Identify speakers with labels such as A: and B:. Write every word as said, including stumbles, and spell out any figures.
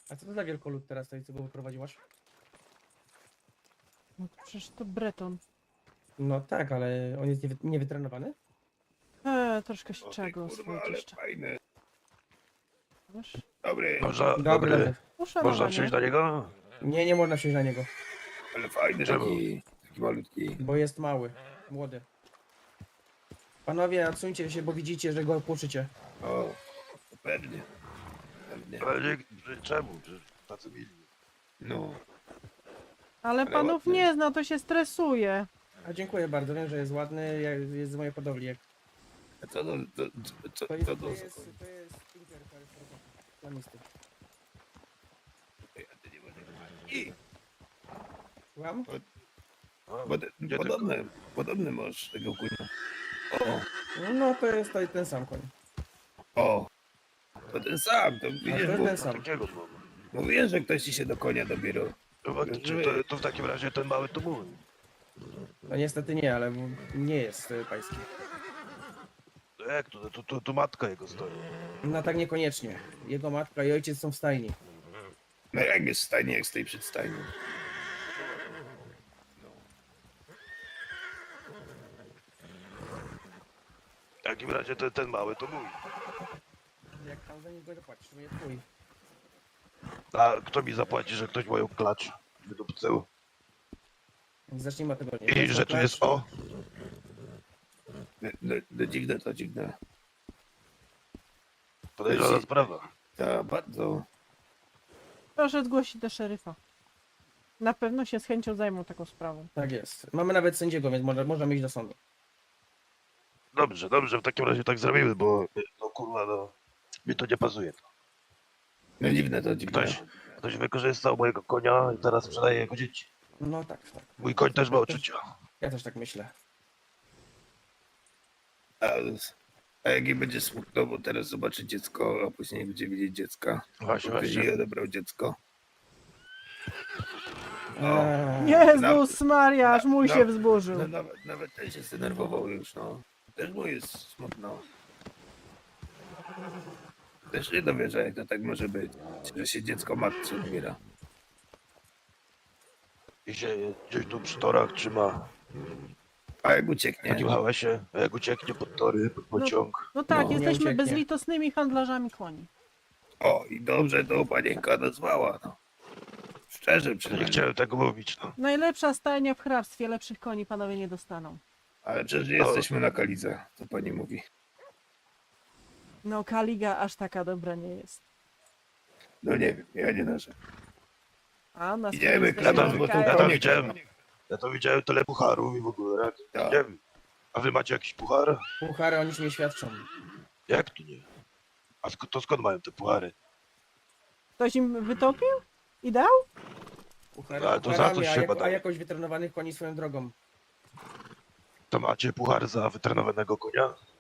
A: A co to za wielkolud teraz tutaj, co go wyprowadziłaś?
B: No to przecież to Breton.
A: No tak, ale on jest niewy niewytrenowany?
B: Eee, troszkę się
C: O,
B: trzeba
C: ty
B: go
C: kurwa,
B: oswoić
C: ale
B: jeszcze.
C: fajny.
B: Wiesz?
C: Dobry,
D: Można,
A: Dobry,
D: dobry.
A: dobry.
D: Można
B: Uszanowanie.
D: wsiąść na niego?
A: Nie, nie można wsiąść na niego,
C: ale fajny
D: Czemu?
C: taki, taki malutki.
A: bo jest mały, młody. Panowie, odsuńcie się, bo widzicie, że go płuczycie.
C: O, to pewnie. Pewnie.
D: Ale nie, że czemu? Że tacy mili.
C: No,
B: Ale
C: Ale
B: panów
C: ładny.
B: nie zna, to się stresuje.
A: A dziękuję bardzo, wiem, że jest ładny, jak- jest z mojej hodowli. Jak...
C: a co to, to, co,
A: To jest,
C: co
A: to
C: to
A: jest,
C: za
A: to
C: koń?
A: jest Tinker, to jest plamisty.
C: Ej, a ty nie masz- I,
A: Słucham?
D: O,
C: Pod,
D: gdzie
C: podobny, podobny masz tego kunia. O,
A: No to jest to, ten sam koń.
C: o, to ten sam, to
A: A
C: widzisz,
A: to jest
C: bo,
A: ten sam.
D: takiego mam.
C: mówiłem, że ktoś ci się do konia dobierał.
D: No faktycznie, to, to w takim razie ten mały to mój.
A: No niestety nie, ale nie jest y, pański.
D: No jak to? To, to, to matka jego stoi.
A: No tak niekoniecznie. Jego matka i ojciec są w stajni.
C: No jak jest w stajni, jak stoi przed stajnią.
D: W takim razie ten, ten mały to mój.
A: Jak tam za niego zapłacisz, to jest twój.
D: A kto mi zapłaci, że ktoś moją klacz wydupcył?
A: Więc zacznijmy od tego.
D: I że tu jest o?
C: No, no, no dziwne to dziwne.
D: Podejrzana sprawa.
C: Ta, bardzo.
B: Proszę zgłosić do szeryfa. Na pewno się z chęcią zajmą taką sprawą.
A: Tak jest. Mamy nawet sędziego, więc może, możemy iść do sądu.
D: Dobrze, dobrze, w takim razie tak zrobimy, bo no kurwa, no mi to nie pasuje.
C: No dziwne to dziwne.
D: Ktoś, ktoś wykorzystał mojego konia i teraz sprzedaje jego dzieci.
A: No tak, tak.
D: Mój koń też ma uczucia.
A: Ja też tak myślę.
C: A, a jak jej będzie smutno, bo teraz zobaczy dziecko, a później będzie widzieć dziecka.
D: Właśnie,
C: Ktoś
D: właśnie.
C: jej odebrał dziecko.
A: Eee,
B: Jezus Maria, aż
C: na-
B: mój
C: na-
B: się wzburzył.
C: No, nawet, nawet ten się zdenerwował już, no. Też mu jest smutno. Też nie dowierza, jak to tak może być, że się dziecko matce odbiera.
D: I się gdzieś tu przy torach trzyma
C: A jak
D: w
C: ucieknie,
D: takim hałasie, a jak ucieknie pod tory, pod pociąg.
B: No tak,
C: No.
A: Nie
B: jesteśmy
A: ucieknie.
B: bezlitosnymi handlarzami koni.
C: o i dobrze to panienka nazwała, no. Szczerze
D: To nie
C: przynajmniej.
D: chciałem tego mówić, no.
B: Najlepsza stajnia w hrabstwie, lepszych koni panowie nie dostaną.
C: Ale przecież nie jesteśmy na Kalidze, co pani mówi.
B: No Kaliga aż taka dobra nie jest.
C: No nie wiem, ja nie narzekam.
B: A na
C: Idziemy,
B: swoje
C: kradam,
B: jesteśmy
C: bo to
D: Ja
B: wykają.
D: to
C: konie-
D: widziałem. Ja to widziałem tyle pucharów i w ogóle. Jak,
C: Tak.
D: nie wiem. A wy macie jakiś puchar?
A: puchary o niczym nie świadczą.
D: Jak tu nie? A sk- to skąd mają te puchary?
B: Ktoś im wytopił? I dał?
A: Puchary,
D: Ale to za
A: pucharami,
D: coś
A: a,
D: się
A: jako, a
D: badaje.
A: jakoś wytrenowanych koni swoją drogą.
D: To macie puchar za wytrenowanego konia?